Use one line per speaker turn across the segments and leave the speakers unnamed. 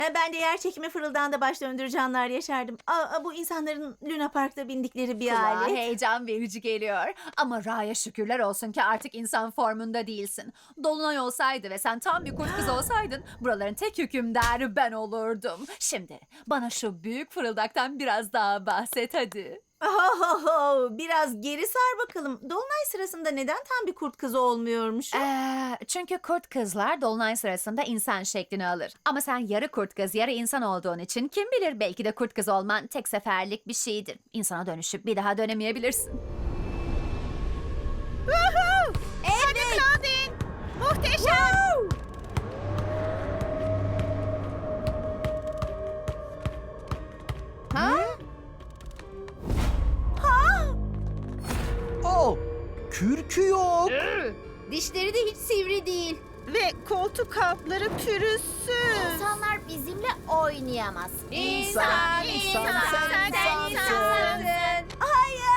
Ben de yer çekimi fırıldağında baş döndürücü yaşardım. Bu insanların Luna Park'ta bindikleri bir
Kulağa
alet.
heyecan verici geliyor. Ama Ra'ya şükürler olsun ki artık insan formunda değilsin. Dolunay olsaydı ve sen tam bir kurt kız olsaydın buraların tek hükümdarı ben olurdum. Şimdi bana şu büyük fırıldaktan biraz daha bahset hadi.
Biraz geri sar bakalım. Dolunay sırasında neden tam bir kurt kızı olmuyormuş?
Çünkü kurt kızlar dolunay sırasında insan şeklini alır. Ama sen yarı kurt kız, yarı insan olduğun için kim bilir belki de kurt kız olman tek seferlik bir şeydir. İnsana dönüşüp bir daha dönemeyebilirsin.
Hadi Claudine. Muhteşem.
Oh, kürkü yok.
Dişleri de hiç sivri değil.
Ve koltuk altları pürüzsüz.
İnsanlar bizimle oynayamaz.
İnsan, sen insansın.
Hayır!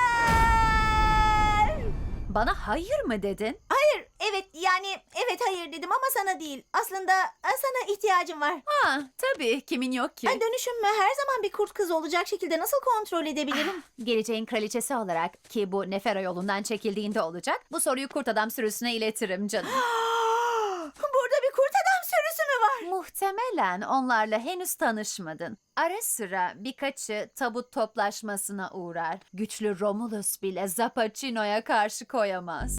Bana hayır mı dedin?
Hayır, evet hayır dedim ama sana değil. Aslında sana ihtiyacım var.
Ha, tabii kimin yok ki?
Dönüşümü her zaman bir kurt kız olacak şekilde nasıl kontrol edebilirim?
Geleceğin kraliçesi olarak ki bu Nefera yolundan çekildiğinde olacak. Bu soruyu kurt adam sürüsüne iletirim canım.
Burada bir kurt adam sürüsü mü var?
Muhtemelen onlarla henüz tanışmadın. Ara sıra birkaçı tabut toplaşmasına uğrar. Güçlü Romulus bile Zappaccino'ya karşı koyamaz.